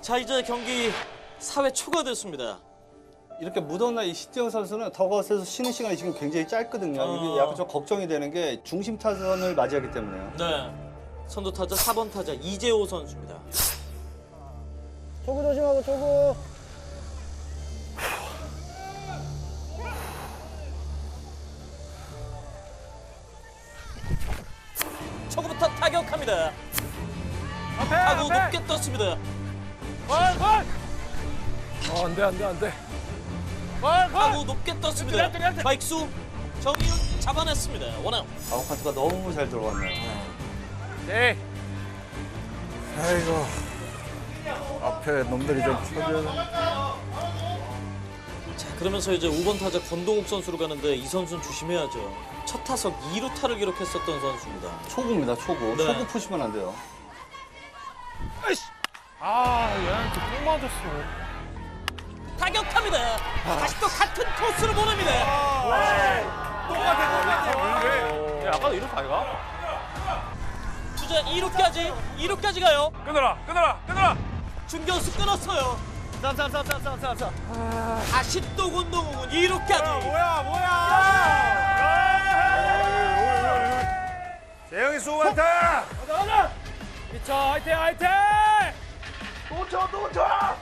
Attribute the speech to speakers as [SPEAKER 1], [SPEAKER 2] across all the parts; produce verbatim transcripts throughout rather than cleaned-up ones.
[SPEAKER 1] 자, 이제 경기 사 회 초가 됐습니다.
[SPEAKER 2] 이렇게 무더운 날 이 신재영 선수는 더그아웃에서 쉬는 시간이 지금 굉장히 짧거든요.
[SPEAKER 1] 어.
[SPEAKER 2] 이게 약간 좀 걱정이 되는 게 중심 타선을 맞이하기 때문에요.
[SPEAKER 1] 네. 선두 타자 사 번 타자 이재호 선수입니다.
[SPEAKER 3] 초구 조심하고 초구.
[SPEAKER 1] 초구부터 타격합니다.
[SPEAKER 3] 앞에
[SPEAKER 1] 타구
[SPEAKER 3] 앞에.
[SPEAKER 1] 높게 떴습니다.
[SPEAKER 3] 볼 볼. 어 안돼 안돼 안돼. 볼
[SPEAKER 1] 타구
[SPEAKER 3] 볼.
[SPEAKER 1] 높게 떴습니다.
[SPEAKER 3] 네, 네, 네.
[SPEAKER 1] 바익수 정이윤 잡아냈습니다. 원아웃.
[SPEAKER 2] 아웃카운트가 너무 잘 들어갔네요.
[SPEAKER 3] 네.
[SPEAKER 4] 아이고 앞에 놈들이 좀 쳐줘야
[SPEAKER 1] 자, 그러면서 이제 오 번 타자 권동욱 선수로 가는데 이 선수는 조심해야죠. 첫 타석 이 루타를 기록했었던 선수입니다.
[SPEAKER 2] 초구입니다, 초구.
[SPEAKER 1] 네.
[SPEAKER 2] 초구 푸시면 안 돼요.
[SPEAKER 3] 아 얘한테 꼭 맞았어.
[SPEAKER 1] 타격합니다. 다시 또 같은 코스로 보냅니다.
[SPEAKER 3] 똑같아 똑같아. 왜? 야 아까도 이렇게 아이가?
[SPEAKER 1] 주자 이 루까지 이 루까지 가요.
[SPEAKER 3] 끊어라 끊어라 끊어라.
[SPEAKER 1] 중견수 끊었어요.
[SPEAKER 3] 쌈쌈쌈쌈쌈쌈.
[SPEAKER 1] 다시 또 권동욱은 이 루까지.
[SPEAKER 3] 뭐야 뭐야.
[SPEAKER 4] 재영이 수고한다.
[SPEAKER 3] 가자 가자. 미쳐 화이팅 화이팅.
[SPEAKER 4] 또쳐또 쳐.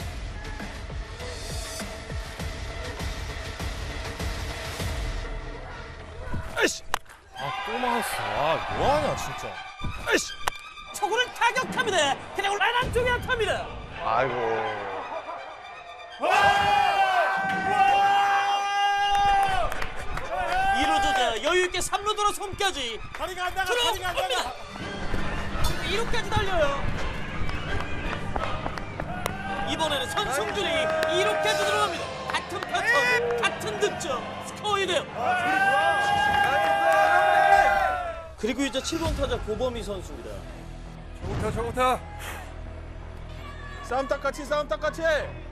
[SPEAKER 3] 아이씨. 아또 맞았어. 아 뭐하냐 진짜. 아이씨.
[SPEAKER 1] 초구를 타격합니다. 그냥 라인 쪽에 안타입니다.
[SPEAKER 4] 아이고.
[SPEAKER 1] 이 루 주자 여유 있게 삼 루 돌아손까지
[SPEAKER 3] 다리가 안 나가 다리가 안 나가.
[SPEAKER 1] 들어갑니다. 이 루까지 달려요. 이번에는 선승준이 이 루까지 들어갑니다. 같은 패턴, 같은 득점, 스코어 이 대 영. 그리고 이제 칠 번 타자 고범희 선수입니다.
[SPEAKER 4] 좋다 좋다. 싸움 딱같이 싸움 딱같이.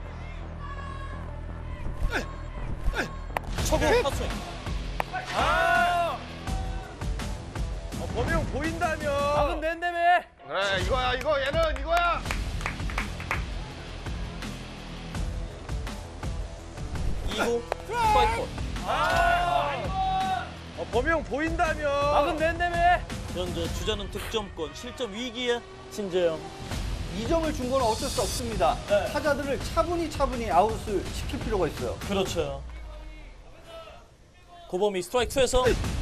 [SPEAKER 1] 초구 헛스윙.
[SPEAKER 3] 아. 어, 범이 형 보인다며. 방금 낸다며.
[SPEAKER 4] 그래 이거야 이거 얘는 이거야.
[SPEAKER 1] 이 구 스트라이크.
[SPEAKER 3] 어, 범이 형 보인다며. 방금 낸다며.
[SPEAKER 1] 현재 주자는 득점권, 실점 위기에 신재영.
[SPEAKER 2] 이 점을 준 건 어쩔 수 없습니다.
[SPEAKER 1] 네.
[SPEAKER 2] 타자들을 차분히 차분히 아웃을 시킬 필요가 있어요.
[SPEAKER 1] 그렇죠. 고범이 스트라이크 투에서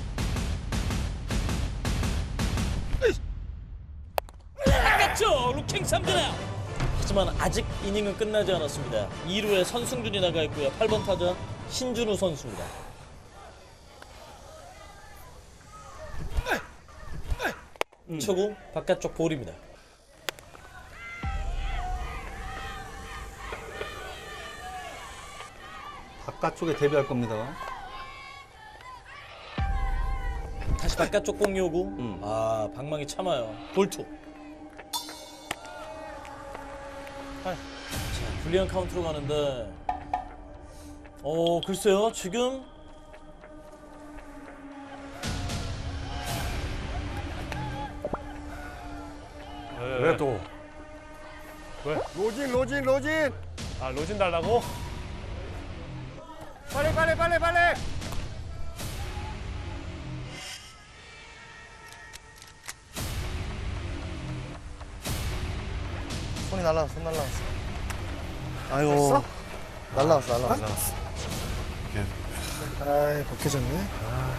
[SPEAKER 1] 바꿨죠. 루킹 삼진 아웃. 하지만 아직 이닝은 끝나지 않았습니다. 이 루에 선승준이 나가 있고요. 팔 번 타자 신준우 선수입니다. 음. 초구 바깥쪽 볼입니다.
[SPEAKER 2] 바깥쪽에 대비할 겁니다.
[SPEAKER 1] 다시 바깥쪽 공이 오고 아 방망이 참아요. 볼투. 자, 불리한 카운트로 가는데 어 글쎄요 지금
[SPEAKER 4] 왜 또?
[SPEAKER 3] 왜?
[SPEAKER 4] 로진 로진 로진.
[SPEAKER 3] 아 로진 달라고? 빨리 빨리 빨리 빨리.
[SPEAKER 4] 손이 날라갔어 손 날라갔어. 아이고. 날라갔어 날라갔어. 아이 벗겨졌네.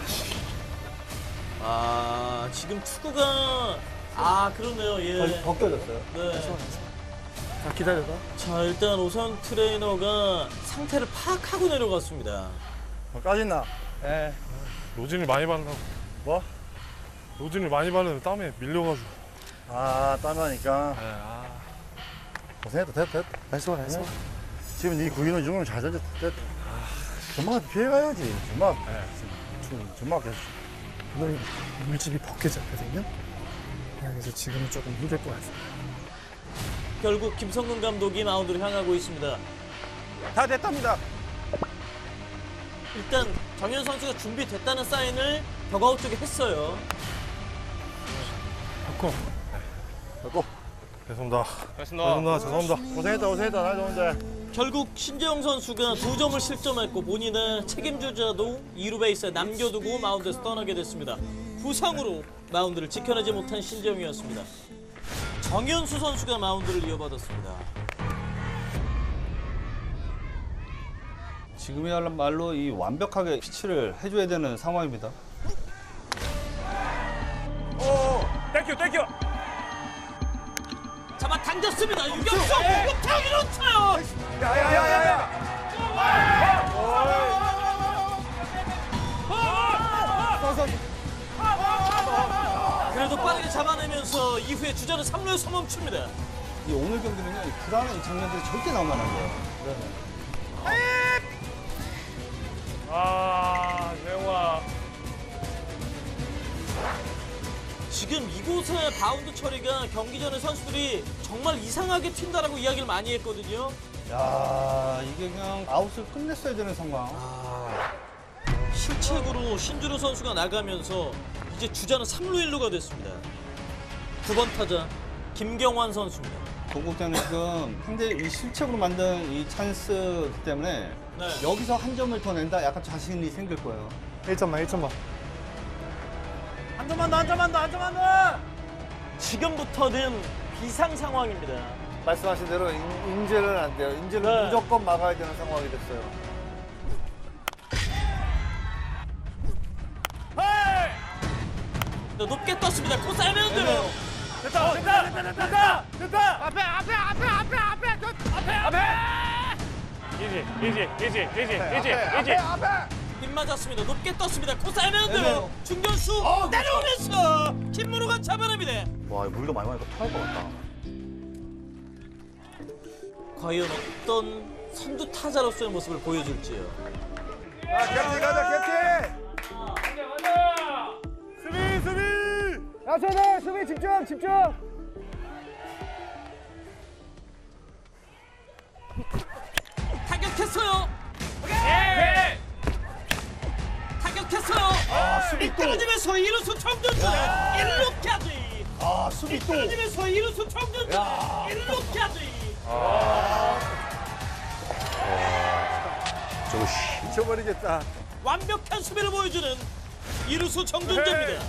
[SPEAKER 1] 아 지금 투구가 아 그러네요. 예.
[SPEAKER 2] 벗겨졌어요.
[SPEAKER 1] 네.
[SPEAKER 4] 자 기다려봐.
[SPEAKER 1] 자 일단 오선 트레이너가 상태를 파악하고 내려갔습니다.
[SPEAKER 4] 어, 까짓나? 예.
[SPEAKER 5] 로진을 많이 바르라고.
[SPEAKER 4] 뭐?
[SPEAKER 5] 로진을 많이 바르면 땀에 밀려가지고.
[SPEAKER 4] 아 땀나니까.
[SPEAKER 5] 네, 아.
[SPEAKER 4] 고생했다 됐다 됐다. 했어 했어. 지금 네 구인은 중을 잘 던졌다 됐다. 전마한테 피해가야지. 전마. 전마 계속.
[SPEAKER 6] 오늘 물집이 벗겨졌거든요. 그래서 지금은 조금 힘들 것 같아요.
[SPEAKER 1] 결국 김성근 감독이 마운드로 향하고 있습니다.
[SPEAKER 4] 다 됐답니다.
[SPEAKER 1] 일단 정현 선수가 준비됐다는 사인을 덕아웃 쪽에 했어요.
[SPEAKER 6] 바꿔.
[SPEAKER 4] 갖고.
[SPEAKER 5] 죄송합니다. 죄송합니다. 죄송합니다.
[SPEAKER 4] 고생했다, 고생했다. 나 좋은데.
[SPEAKER 1] 결국 신재영 선수가 두 점을 실점했고 본인의 책임주자도 이 루 베이스에 남겨두고 마운드에서 떠나게 됐습니다. 부상으로 마운드를 지켜내지 못한 신재영이었습니다. 정현수 선수가 마운드를 이어받았습니다.
[SPEAKER 2] 지금이야말로 이 완벽하게 피치를 해줘야 되는 상황입니다.
[SPEAKER 3] 오, 땡큐, 땡큐.
[SPEAKER 1] 잡아 당겼습니다. 유격수 타기로 쳐요. 그래도 빠르게 잡아내면서 이후에 주자는 삼 루에서 멈춥니다.
[SPEAKER 2] 이 오늘 경기는요, 이 불안한 이 장면들이 절대 나오면 안 돼요.
[SPEAKER 3] 아, 재영아.
[SPEAKER 1] 지금 이곳의 바운드 처리가 경기 전에 선수들이 정말 이상하게 튄다라고 이야기를 많이 했거든요.
[SPEAKER 2] 야, 이게 그냥 아웃을 끝냈어야 되는 상황.
[SPEAKER 1] 실책으로 신준호 선수가 나가면서 이제 주자는 삼 루 일 루가 됐습니다. 구 번 타자 김경환 선수입니다.
[SPEAKER 2] 동국장은 지금 상대 이 실책으로 만든 이 찬스이기 때문에
[SPEAKER 1] 네.
[SPEAKER 2] 여기서 한 점을 더 낸다, 약간 자신이 생길 거예요.
[SPEAKER 6] 일 점만, 일 점만.
[SPEAKER 3] 한 점만 더, 한 점만 더, 한 점만 더.
[SPEAKER 1] 지금부터는 비상 상황입니다.
[SPEAKER 4] 말씀하신 대로 인, 인제는 안 돼요. 인제는
[SPEAKER 1] 네.
[SPEAKER 4] 무조건 막아야 되는 상황이 됐어요.
[SPEAKER 1] 네, 높게 떴습니다. 코스 애매한데요.
[SPEAKER 3] 됐다, 됐다, 됐다, 됐다, 됐다. 앞에, 앞에, 앞에, 앞에, 앞에, 앞에, 앞에. 이지, 이지, 이지, 이지, 이지, 이지.
[SPEAKER 1] 빗 맞았습니다. 높게 떴습니다. 코스 애매한데요.
[SPEAKER 2] 애매해요.
[SPEAKER 1] 중견수 내려오면서 김문호가 잡아냅니다.
[SPEAKER 4] 와, 물도 많이 마니까 토할 것 같다.
[SPEAKER 1] 과연 어떤 선두 타자로서의 모습을 보여줄지요.
[SPEAKER 4] 야, 캡틴 가자, 캡틴!
[SPEAKER 3] 수비, 수비.
[SPEAKER 6] 야, 저들 수비 집중, 집중.
[SPEAKER 1] 타격했어요.
[SPEAKER 3] 예.
[SPEAKER 1] 타격했어요.
[SPEAKER 2] 아, 수비 또.
[SPEAKER 1] 떨어지면서 이루수 청준수 일 루까지.
[SPEAKER 2] 아, 수비 또.
[SPEAKER 1] 떨어지면서 이루수 청준수 일 루까지.
[SPEAKER 4] 저거 미쳐버리겠다.
[SPEAKER 1] 완벽한 수비를 보여주는 이루수 정준재입니다.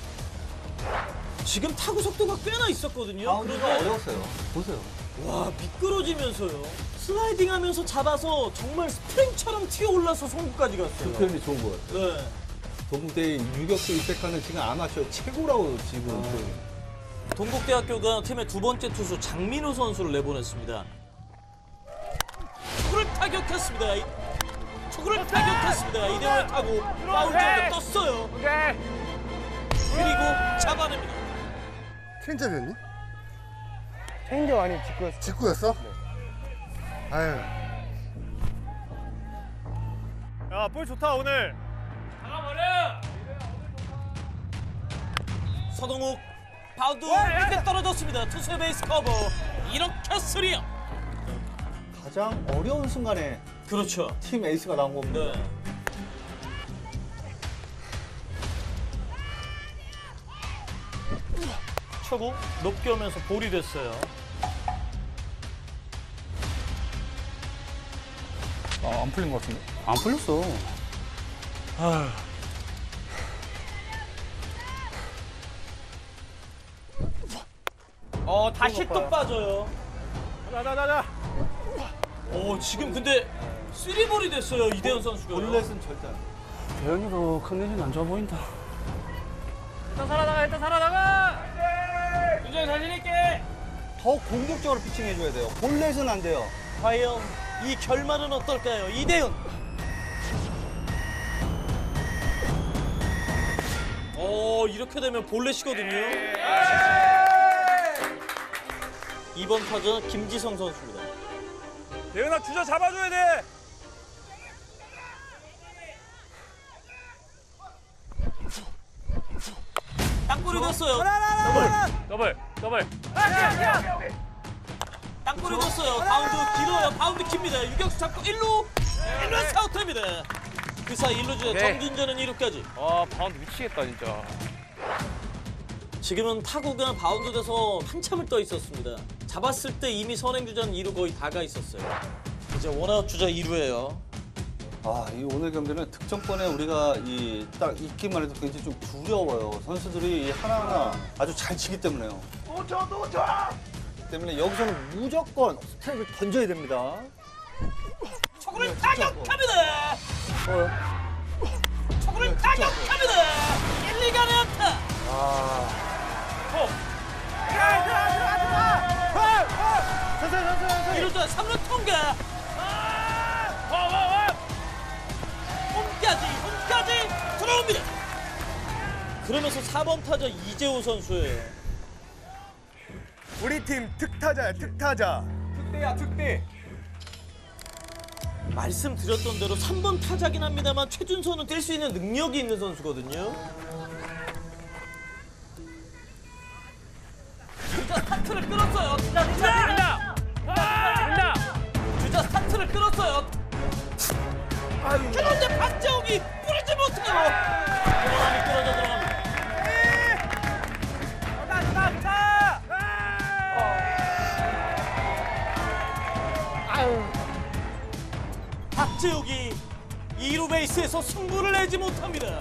[SPEAKER 1] 지금 타구 속도가 꽤나 있었거든요.
[SPEAKER 2] 바운드가
[SPEAKER 1] 그런데
[SPEAKER 2] 어려웠어요. 보세요.
[SPEAKER 1] 와 미끄러지면서요. 슬라이딩하면서 잡아서 정말 스프링처럼 튀어 올라서 송구까지
[SPEAKER 2] 그
[SPEAKER 1] 갔어요.
[SPEAKER 2] 표현이 좋은 거예요.
[SPEAKER 1] 네.
[SPEAKER 2] 동국대의 유격수 입백하는 지금 아마추어 최고라고 지금. 그
[SPEAKER 1] 동국대학교가 팀의 두 번째 투수 장민호 선수를 내보냈습니다. 초구를 타격했습니다. 이- 초구를 타격했습니다. 이대호의 타구 파울 쪽에 떴어요. 그리고 잡아냅니다.
[SPEAKER 4] 체인점이었니?
[SPEAKER 6] 체인저 아니 직구였어.
[SPEAKER 4] 직구였어? 아유.
[SPEAKER 3] 야, 볼 좋다 오늘.
[SPEAKER 1] 서동욱 바운드 밑에 떨어졌습니다. 투수의 베이스 커버. 이렇게 쓰리요.
[SPEAKER 2] 가장 어려운 순간에
[SPEAKER 1] 그렇죠.
[SPEAKER 2] 팀 에이스가 나온 겁니다.
[SPEAKER 1] 네. 초구 높게 오면서 볼이 됐어요.
[SPEAKER 2] 아, 안 풀린 것 같은데? 안 풀렸어.
[SPEAKER 1] 어 다시 또 빠져요.
[SPEAKER 3] 가자, 가자, 가자.
[SPEAKER 1] 오 지금 근데 쓰리볼이 됐어요 이대현 선수가.
[SPEAKER 2] 볼넷은 절대 안 돼.
[SPEAKER 6] 대현이도 컨디션 안 좋아 보인다.
[SPEAKER 3] 일단 살아나가, 일단 살아나가. 윤정이 자신 있게.
[SPEAKER 2] 더 공격적으로 피칭해줘야 돼요. 볼넷은 안 돼요.
[SPEAKER 1] 과연 이 결말은 어떨까요? 이대현. 오 이렇게 되면 볼넷이거든요. 이번 타자 김지성 선수입니다.
[SPEAKER 3] 대현아 주자 잡아줘야 돼.
[SPEAKER 1] 땅볼이 됐어요.
[SPEAKER 3] 더블, 더블.
[SPEAKER 1] 땅볼이 됐어요. 바운드 길어요. 바운드 깁니다. 유격수 잡고 일 루. 일 루에서 아웃됩니다. 그 사이 일 루 주자 정준재는 이 루까지.
[SPEAKER 3] 아, 바운드 미치겠다 진짜.
[SPEAKER 1] 지금은 타구가 바운드 돼서 한참을 떠 있었습니다. 잡았을 때 이미 선행주자는 이 루 거의 다 가 있었어요. 이제 원아웃 주자 이 루예요.
[SPEAKER 2] 아, 이 오늘 경기는 득점권에 우리가 이 딱 있기만 해도 굉장히 좀 두려워요. 선수들이 이 하나하나 아주 잘 치기 때문에요.
[SPEAKER 3] 놓쳐 놓쳐.
[SPEAKER 2] 때문에 여기서는 무조건 스트라이크를 던져야 됩니다.
[SPEAKER 1] 초구를 타격합니다. 초구를 타격합니다. 일, 이 간의 안타. 이 루자 삼 루 통과. 홈까지 홈까지 들어옵니다. 그러면서 사 번 타자 이재호 선수예요.
[SPEAKER 5] 우리 팀 특타자야, 특타자.
[SPEAKER 1] 말씀드렸던 대로 삼 번 타자긴 합니다만 최준선은 뛸 수 있는 능력이 있는 선수거든요. 주자 스타트를 끌었어요.
[SPEAKER 3] 된다. 된다.
[SPEAKER 1] 주자 스타트를 끌었어요. 그런데 박재홍이 뿌리지 못해요. 들어가니 끌어져 들어갑니다. 박재욱이 이 루 베이스에서 승부를 내지 못합니다.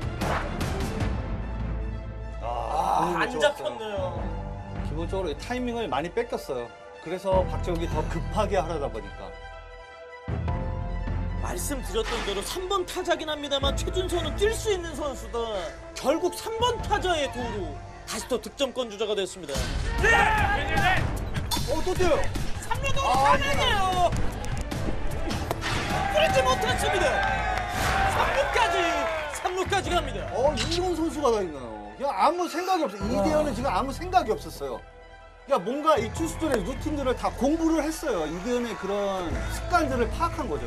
[SPEAKER 1] 아, 안 잡혔네요.
[SPEAKER 2] 기본적으로 이 타이밍을 많이 뺏겼어요. 그래서 박정욱이 더 급하게 하려다 보니까.
[SPEAKER 1] 말씀드렸던 대로 삼 번 타자긴 합니다만 최준선은 뛸 수 있는 선수다. 결국 삼 번 타자의 도루. 다시 또 득점권 주자가 됐습니다.
[SPEAKER 2] 어, 또 뛰어요.
[SPEAKER 1] 삼 루 도루 가능해요. 뿌리지 못했습니다. 삼 루까지 삼 루까지 갑니다.
[SPEAKER 2] 어, 이런 선수가 다 있나요? 그냥 아무 생각이 없어요. 이대현은 지금 아무 생각이 없었어요. 그러니까 뭔가 이 투수들의 루틴들을 다 공부를 했어요. 이대현의 그런 습관들을 파악한 거죠.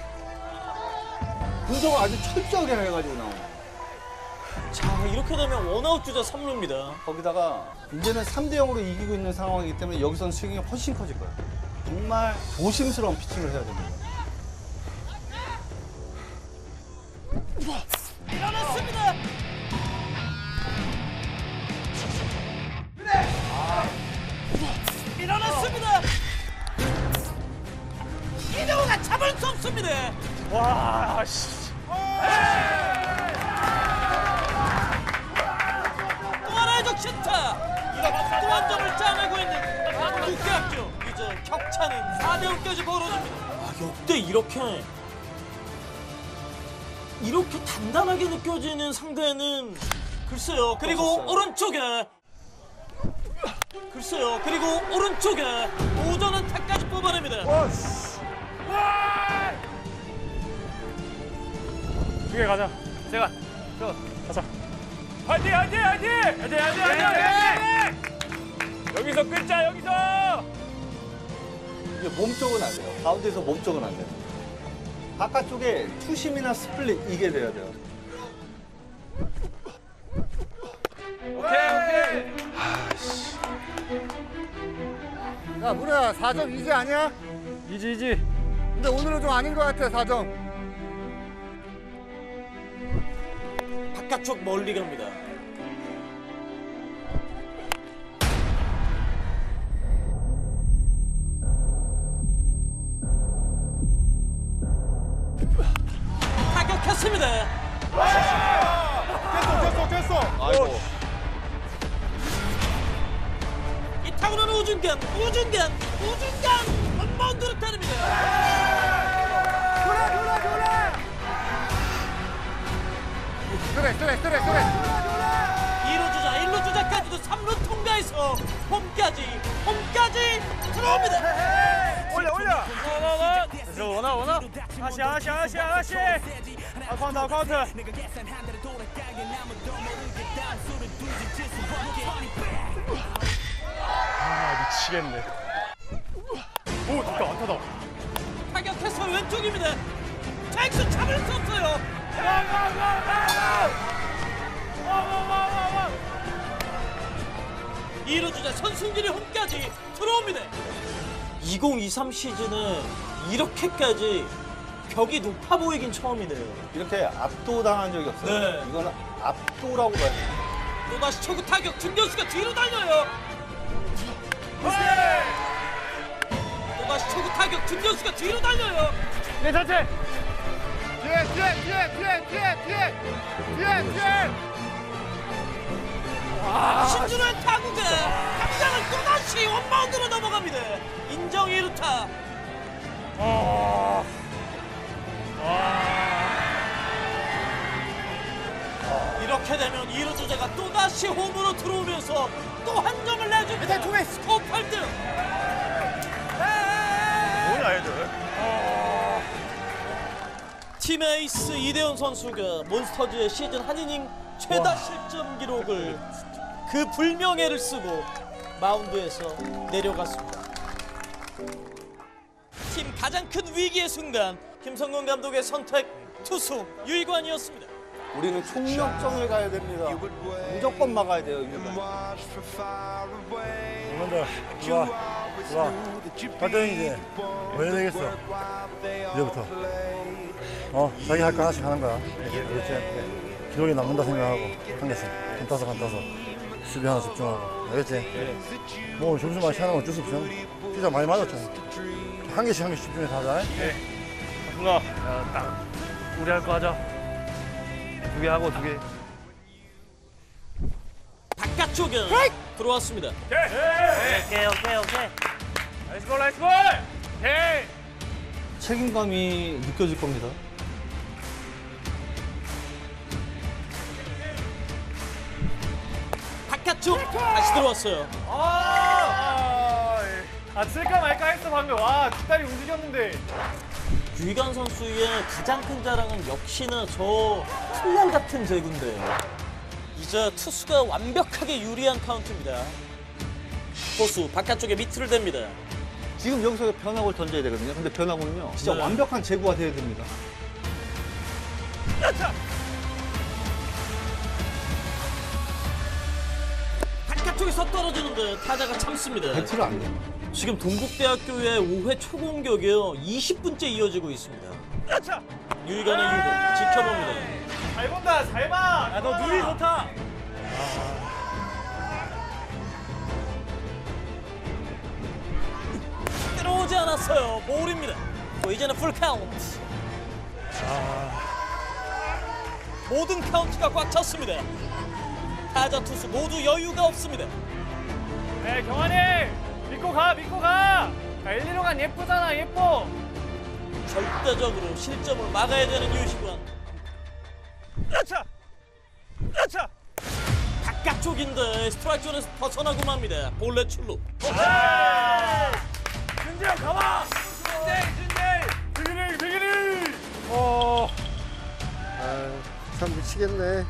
[SPEAKER 2] 분석을 아주 철저하게 해가지고 나온.
[SPEAKER 1] 자, 이렇게 되면 원아웃 주자 삼 루입니다.
[SPEAKER 2] 거기다가 이제는 삼 대 영으로 이기고 있는 상황이기 때문에 여기서는 스윙이 훨씬 커질 거예요. 정말 조심스러운 피칭을 해야 됩니다.
[SPEAKER 1] 일어났습니다. 일어났습니다. 이대호가 잡을 수 없습니다.
[SPEAKER 3] 와, 씨.
[SPEAKER 1] 또 하나의 적시타. 이렇게 또 한 점을 짜내고 있는 국대학교. 이제 격차는 사 대 영까지 벌어집니다. 아, 역대 이렇게 이렇게 단단하게 느껴지는 상대는 글쎄요. 그리고
[SPEAKER 2] 없었어요.
[SPEAKER 1] 오른쪽에 글쎄요. 그리고 오른쪽에 오전 안타까지 뽑아냅니다.
[SPEAKER 3] 두개 가자. 제가. 저 가자. 화이팅, 화이팅, 화이팅! 화이팅, 화이팅, 화이팅, 화이팅! 여기서 끊자, 여기서!
[SPEAKER 2] 이게 몸쪽은 안 돼요. 가운데서 몸쪽은 안 돼요. 바깥쪽에 투심이나 스플릿 이게 돼야 돼요.
[SPEAKER 3] 오케이, 오케이.
[SPEAKER 4] 야, 문혜야, 사 점 이지 아니야?
[SPEAKER 3] 이지, 이지.
[SPEAKER 4] 근데 오늘은 좀 아닌 것 같아, 사 점.
[SPEAKER 1] 바깥쪽 멀리 갑니다. 타격했습니다.
[SPEAKER 5] 됐어, 됐어, 됐어.
[SPEAKER 2] 아이고.
[SPEAKER 1] 이 타구는 우중간, 우중간, 우중간 홈바운드를 때립니다.
[SPEAKER 4] 그래, 그래, 그래! 그래, 그래, 그래, 그래.
[SPEAKER 1] 이 루 주자, 일 루 주자까지도 삼 루 통과해서 홈까지, 홈까지 들어옵니다.
[SPEAKER 3] 올려, 올려! 원아, 원아! 원아, 원아! 하나씩, 하나씩, 하나씩, 하나씩! 아, 카운트, 아, 카운트! 아, 미치겠네. 오, 됐다, 안타다.
[SPEAKER 1] 타격해서 왼쪽입니다. 잭슨 잡을 수 없어요. 이 루 주자 선승길이 홈까지 들어옵니다. 이천이십삼 시즌에 이렇게까지 벽이 높아 보이긴 처음이네요.
[SPEAKER 2] 이렇게 압도당한 적이 없어요.
[SPEAKER 1] 네.
[SPEAKER 2] 이거는 압도라고 봐야 돼요.
[SPEAKER 1] 또다시 초구 타격 중견수가 뒤로 달려요. 또다시 초구 타격. 중견수가 뒤로 달려요.
[SPEAKER 3] 내 자체.
[SPEAKER 5] 뒤에 뒤에 뒤에 뒤에 뒤에 뒤에 뒤에 뒤에
[SPEAKER 1] 신준호의 타구가 당장을 또다시 원바운드로 넘어갑니다. 인정 이 루타. 이렇게 되면 이 루 주자가 또다시 홈으로 들어오면서 또 한 점을 내줍니다. 스코어 팔 등.
[SPEAKER 5] 뭐야 애들.
[SPEAKER 1] 팀 에이스 이대현 선수가 몬스터즈의 시즌 한 이닝 최다 실점 기록을 그 불명예를 쓰고 마운드에서 내려갔습니다. 팀 가장 큰 위기의 순간 김성근 감독의 선택 투수 유이관이었습니다.
[SPEAKER 2] 우리는 총력전을 가야 됩니다. 무조건 막아야 돼요, 유관.
[SPEAKER 4] 그만들 좋아 좋아 활동 이제 왜 되겠어 이제부터 어 자기 할 거 하나씩 하는 거야 그렇지 기록이 남는다 생각하고 한 개씩 한 타석 한 타석 수비 하나 집중하고 알겠지 뭐 점수 많이 차는 건 어쩔 수 없어 피자 많이 맞았잖아 한 개씩 한 개씩 집중해서 하자
[SPEAKER 3] 누가? 딱 우리 할 거 하자. 두 개 하고 두 개.
[SPEAKER 1] 바깥쪽에 들어왔습니다.
[SPEAKER 3] 오케이 오케이 오케이. 나이스 볼 나이스 볼. 오케이.
[SPEAKER 2] 책임감이 느껴질 겁니다.
[SPEAKER 1] 바깥쪽 다시 들어왔어요.
[SPEAKER 3] 아, 아 쓸까 말까 했어 방금. 와 뒷다리 움직였는데.
[SPEAKER 1] 유이관 선수의 가장 큰 자랑은 역시나 저 풀날 같은 제구인데요. 이제 투수가 완벽하게 유리한 카운트입니다. 포수 바깥쪽에 미트를 댑니다.
[SPEAKER 2] 지금 여기서 변화구를 던져야 되거든요. 근데 변화구는요, 진짜
[SPEAKER 1] 네.
[SPEAKER 2] 완벽한 제구가 돼야 됩니다.
[SPEAKER 1] 바깥쪽에서 떨어지는데 타자가 참습니다.
[SPEAKER 2] 배트를 안 돼요.
[SPEAKER 1] 지금 동국대학교의 오 회 초공격이요 이십 분째 이어지고 있습니다. 유이관의 유공 지켜봅니다.
[SPEAKER 3] 잘 본다 잘 봐. 야너 눈이 좋다.
[SPEAKER 1] 들어오지 않았어요. 볼입니다. 또 이제는 풀 카운트. 모든 카운트가 꽉 찼습니다. 타자 투수 모두 여유가 없습니다.
[SPEAKER 3] 네 경환이 믿고 가 믿고 가. 자, 일, 이루 간 예쁘잖아 예뻐.
[SPEAKER 1] 절대적으로 실점을 막아야 되는 유시관.
[SPEAKER 3] 야차 야차.
[SPEAKER 1] 바깥쪽인데 스트라이크 존에서 벗어나고 맙니다. 볼넷 출루.
[SPEAKER 3] 준재 형 가봐. 준재 준재. 비기니 비기니. 어.
[SPEAKER 4] 참 미치겠네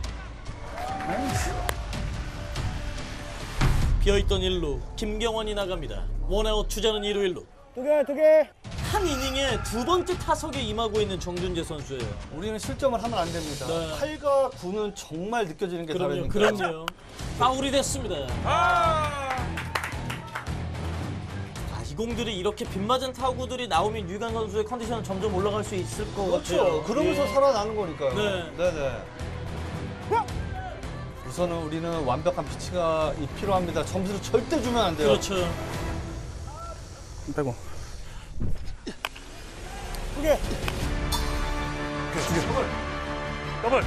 [SPEAKER 1] 비어있던 일 루 김경원이 나갑니다. 원아웃 주자는 이 루 일 루.
[SPEAKER 3] 두 개 두 개.
[SPEAKER 1] 한 이닝에 두 번째 타석에 임하고 있는 정준재 선수예요.
[SPEAKER 2] 우리는 실점을 하면 안 됩니다.
[SPEAKER 1] 네.
[SPEAKER 2] 팔과 구는 정말 느껴지는 게
[SPEAKER 1] 그럼요,
[SPEAKER 2] 다르니까.
[SPEAKER 1] 그럼요. 파울이 됐습니다. 아, 이 공들이 이렇게 빗맞은 타구들이 나오면 유이관 선수의 컨디션은 점점 올라갈 수 있을 것
[SPEAKER 2] 그렇죠.
[SPEAKER 1] 같아요.
[SPEAKER 2] 그러면서
[SPEAKER 1] 예.
[SPEAKER 2] 살아나는 거니까요.
[SPEAKER 1] 네.
[SPEAKER 2] 네네. 우선은 우리는 완벽한 피치가 필요합니다. 점수를 절대 주면 안 돼요.
[SPEAKER 1] 그렇죠.
[SPEAKER 4] 빼고
[SPEAKER 3] 더블.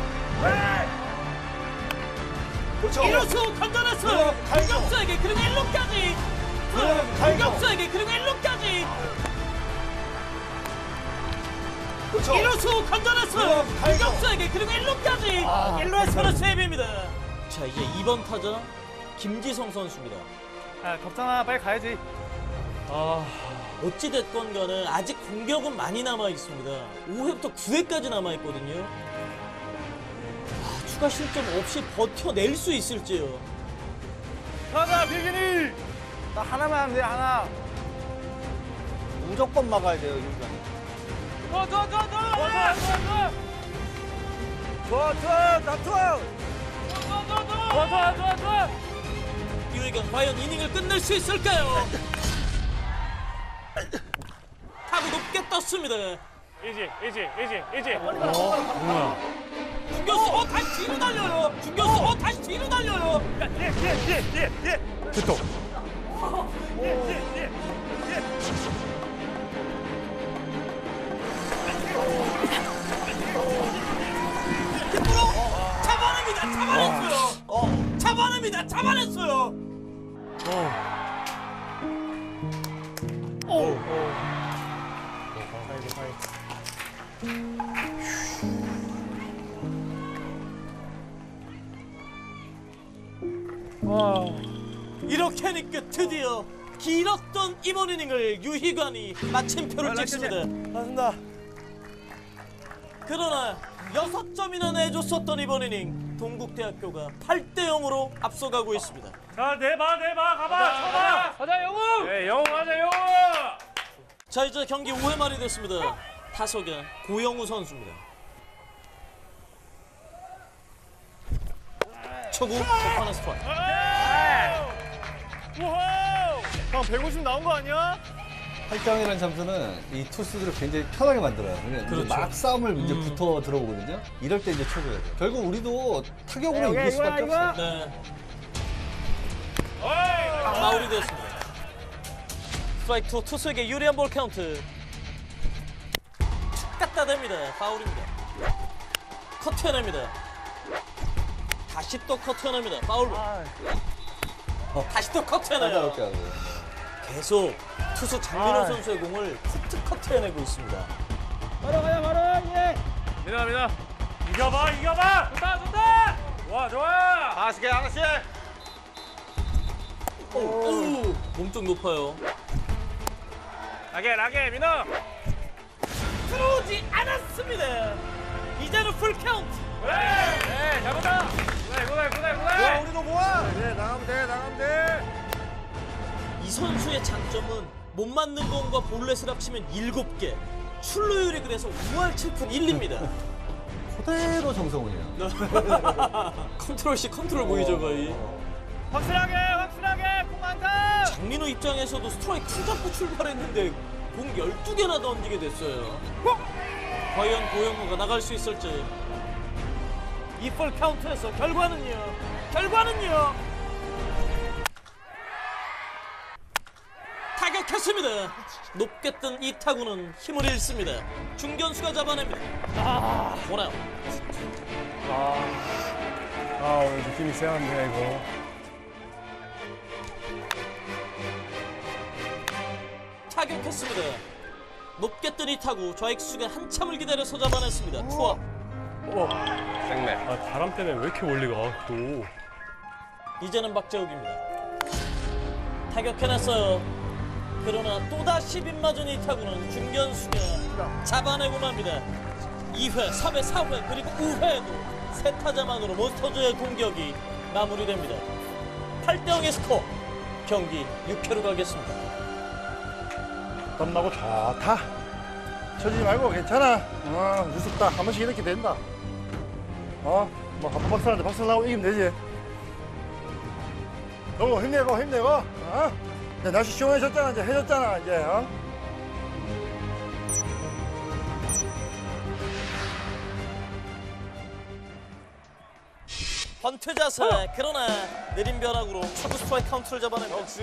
[SPEAKER 2] 그렇죠.
[SPEAKER 1] 이루수 건져냈어요.
[SPEAKER 2] 그럼 가야죠.
[SPEAKER 1] 유격수에게 그리고 일 루까지.
[SPEAKER 2] 그럼 가야죠.
[SPEAKER 1] 유격수에게 그리고 일 루까지.
[SPEAKER 2] 그렇죠.
[SPEAKER 1] 이루수 건져냈어요.
[SPEAKER 2] 그럼 가야죠.
[SPEAKER 1] 유격수에게 그리고 일 루까지.
[SPEAKER 2] 아,
[SPEAKER 1] 일 루에서는 세이브입니다. 자 이제 이 번 타자 김지성 선수입니다.
[SPEAKER 3] 아 덥잖아 빨리 가야지. 아.
[SPEAKER 1] 어찌됐건 간에 아직 공격은 많이 남아 있습니다. 오 회부터 구 회까지 남아 있거든요. 아, 추가 실점 없이 버텨낼 수 있을지요.
[SPEAKER 3] 가자 비기니. 나 하나만 하면 돼 하나.
[SPEAKER 2] 무조건 막아야 돼요, 유관.
[SPEAKER 3] 좋아 좋아 좋아 좋아. 좋아 좋아 좋아. 좋아 좋아 나 좋아. 좋아 좋아 좋아. 좋아 좋아 좋아 좋아.
[SPEAKER 1] 유이관 과연 이닝을 끝낼 수 있을까요? 타구 높게 떴습니다.
[SPEAKER 3] 이지 이지 이지 이지.
[SPEAKER 1] 중견수 어 다시 뒤로 달려요. 중견수 어 다시 뒤로 달려요.
[SPEAKER 3] 뒤에 뒤에 뒤에 뒤에 뒤에.
[SPEAKER 4] 됐다
[SPEAKER 3] 뒤에 뒤에 뒤에.
[SPEAKER 1] 김프로 잡아냅니다. 잡아냈어요. 어, 잡아냅니다. 잡아냈어요. 이렇게 하니까 드디어 길었던 이번 이닝을 유희관이 마침표를 찍습니다.
[SPEAKER 3] 맞습니다.
[SPEAKER 1] 그러나 여섯 점이나 내줬었던 이번 이닝 동국대학교가 팔 대 영으로 앞서가고 있습니다.
[SPEAKER 3] 자, 내봐, 내봐, 가봐, 쳐봐. 가자, 영웅. 네, 영웅 하자, 영웅.
[SPEAKER 1] 자, 이제 경기 오 회 말이 됐습니다. 타석에 고영우 선수입니다. 초구 첫판의 스트라이크.
[SPEAKER 3] 우와. 형 백오십 나온 거 아니야?
[SPEAKER 2] 팔 강이라는 점수는 이 투수들을 굉장히 편하게 만들어요. 그러니까
[SPEAKER 1] 그렇죠.
[SPEAKER 2] 막 싸움을 이제
[SPEAKER 1] 음.
[SPEAKER 2] 붙어 들어오거든요. 이럴 때 이제 쳐줘야 돼요. 결국 우리도 타격으로 이길 수밖에 없어요.
[SPEAKER 1] 네,
[SPEAKER 3] 어이.
[SPEAKER 1] 마무리됐습니다. 스트라이크 투 투수에게 유리한 볼 카운트. 툭 갖다 댑니다. 파울입니다. 커트해냅니다. 다시 또 커트해냅니다. 파울로. 다시 또 커트해내요.
[SPEAKER 2] 까다롭게 하고요.
[SPEAKER 1] 계속 투수 장민호 선수의 공을 툭툭 커트해내고 있습니다.
[SPEAKER 3] 민아, 민아. 이겨봐, 이겨봐. 좋다, 좋다. 좋아, 좋아. 하나씩 해, 하나씩.
[SPEAKER 1] 오, 오, 몸쪽 높아요.
[SPEAKER 3] 라게, 라게, 민아.
[SPEAKER 1] 들어오지 않았습니다. 이제는 풀 카운트.
[SPEAKER 3] 그래, 네, 잘못다. 그래, 그래, 그래, 그래. 우리도 모아. 그래, 나가면 돼, 나가면 돼.
[SPEAKER 1] 이 선수의 장점은 못 맞는 공과 볼넷을 합치면 일곱 개. 출루율이 그래서 오 할 칠 푼 일입니다.
[SPEAKER 2] 그대로 정성훈이야.
[SPEAKER 1] 컨트롤 씨 컨트롤 보이죠 거의.
[SPEAKER 3] 확실하게, 확실하게, 공 안타.
[SPEAKER 1] 장민호 입장에서도 스트라이크 투 잡고 출발했는데 공 열두 개나 던지게 됐어요. 과연 고영우가 나갈 수 있을지. 이 볼 카운트에서 결과는요. 결과는요. 타격했습니다. 높게 뜬 이 타구는 힘을 잃습니다. 중견수가 잡아냅니다. 아, 원아웃.
[SPEAKER 3] 아, 오늘 느낌이 세한데 이거.
[SPEAKER 1] 타격했습니다. 높게 뜬 이 타구 좌익수가 한참을 기다려서 잡아냈습니다. 투아웃.
[SPEAKER 3] 생맥. 아, 바람 때문에 왜 이렇게 멀리 가 또?
[SPEAKER 1] 이제는 박재욱입니다. 타격해냈어요. 그러나 또다시 빗맞은 이 타구는 중견수가 잡아내고 맙니다. 이 회, 삼 회, 사 회 그리고 오 회에도 세 타자만으로 몬스터즈의 공격이 마무리됩니다. 팔 대 영의 스코어. 경기 육 회로 가겠습니다.
[SPEAKER 4] 땀나고 좋다. 쳐지지 말고 괜찮아. 어, 무섭다. 한 번씩 이렇게 된다. 어, 뭐 한 번 박살나는데 박살 나고 이기면 되지. 너무 힘내고 힘내고. 어? 이제 날씨 시원해졌잖아. 이제 해졌잖아. 이제. 어?
[SPEAKER 1] 번트 자세. 그러나 느린 변화구로 초구 스트라이크 카운트를 잡아냅니다.
[SPEAKER 3] 역시.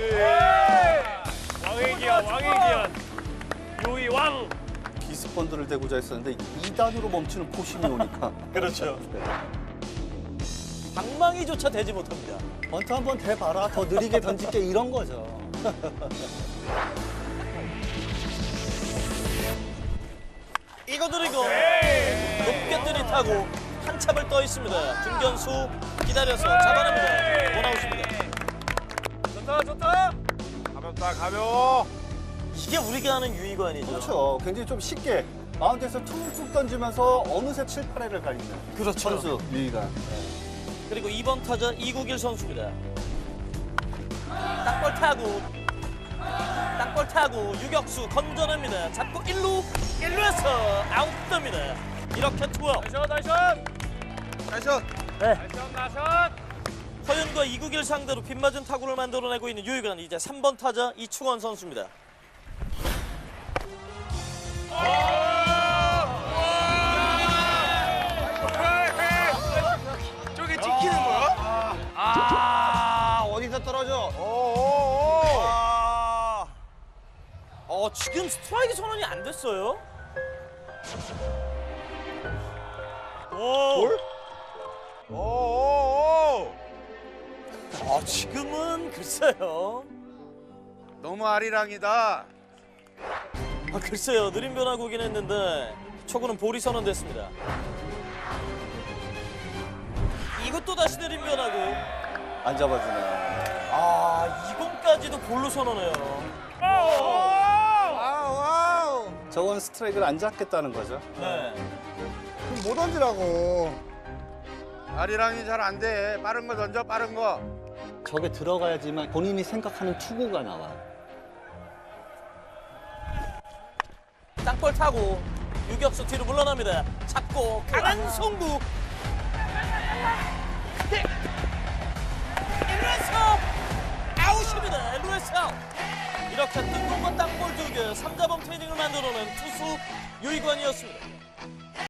[SPEAKER 3] 왕의 기한, 왕의 기한. 요이 왕.
[SPEAKER 2] 비스펀드를 대고자 했었는데 이 단으로 멈추는 포심이 오니까.
[SPEAKER 1] 그렇죠. 방망이조차 되지 못합니다.
[SPEAKER 2] 번트 한번 대봐라. 더 느리게 던질게 이런 거죠.
[SPEAKER 1] 이거 드리고 높게 뜨니 타고 한참을 떠 있습니다. 중견수 기다려서 잡아냅니다. 원아웃입니다.
[SPEAKER 3] 좋다, 좋다. 가볍다, 가벼워.
[SPEAKER 1] 이게 우리가 아는 유희관이죠.
[SPEAKER 2] 그렇죠. 굉장히 좀 쉽게 마운드에서 툭툭 던지면서 어느새 칠, 팔 회를 가리는
[SPEAKER 1] 그렇죠.
[SPEAKER 2] 선수 유희관.
[SPEAKER 1] 그리고 이 번 타자 이국일 선수입니다. 땅볼 타구 땅볼 타구 유격수 건져냅니다. 잡고 일 루 일 루에서 아웃됩니다. 이렇게 투아웃.
[SPEAKER 3] 나이샷, 나이샷. 나이샷.
[SPEAKER 4] 네.
[SPEAKER 3] 나이샷, 나이샷.
[SPEAKER 1] 허윤과 이국일 상대로 빗맞은 타구를 만들어내고 있는 유희관. 이제 삼 번 타자 이충원 선수입니다.
[SPEAKER 5] 저게 찍히는 거야? 아, 어디서 떨어져?
[SPEAKER 3] 오오오.
[SPEAKER 5] 아,
[SPEAKER 1] 지금 스트라이크 선언이 안 됐어요. 오.
[SPEAKER 5] 오오오.
[SPEAKER 1] 아, 지금은 글쎄요.
[SPEAKER 5] 너무 아리랑이다.
[SPEAKER 1] 아, 글쎄요. 느린 변화구긴 했는데 초구는 볼이 선언됐습니다. 이것도 다시 느린 변화구.
[SPEAKER 2] 안 잡아주네.
[SPEAKER 1] 아, 이번까지도 볼로 선언해요.
[SPEAKER 5] 와우 와우.
[SPEAKER 2] 저건 스트라이크를 안 잡겠다는 거죠.
[SPEAKER 1] 네.
[SPEAKER 5] 그럼 못 던지라고. 아리랑이 잘 안 돼. 빠른 거 던져 빠른 거.
[SPEAKER 2] 저게 들어가야지만 본인이 생각하는 투구가 나와.
[SPEAKER 1] 땅볼 타고 유격수 뒤로 물러납니다. 잡고 강한 송구. 일 루에서 아웃입니다. 일 루에서 아웃. 이렇게 뜬금없는 땅볼 두 개, 삼 자범 트레이닝을 만들어낸 투수 유희관이었습니다.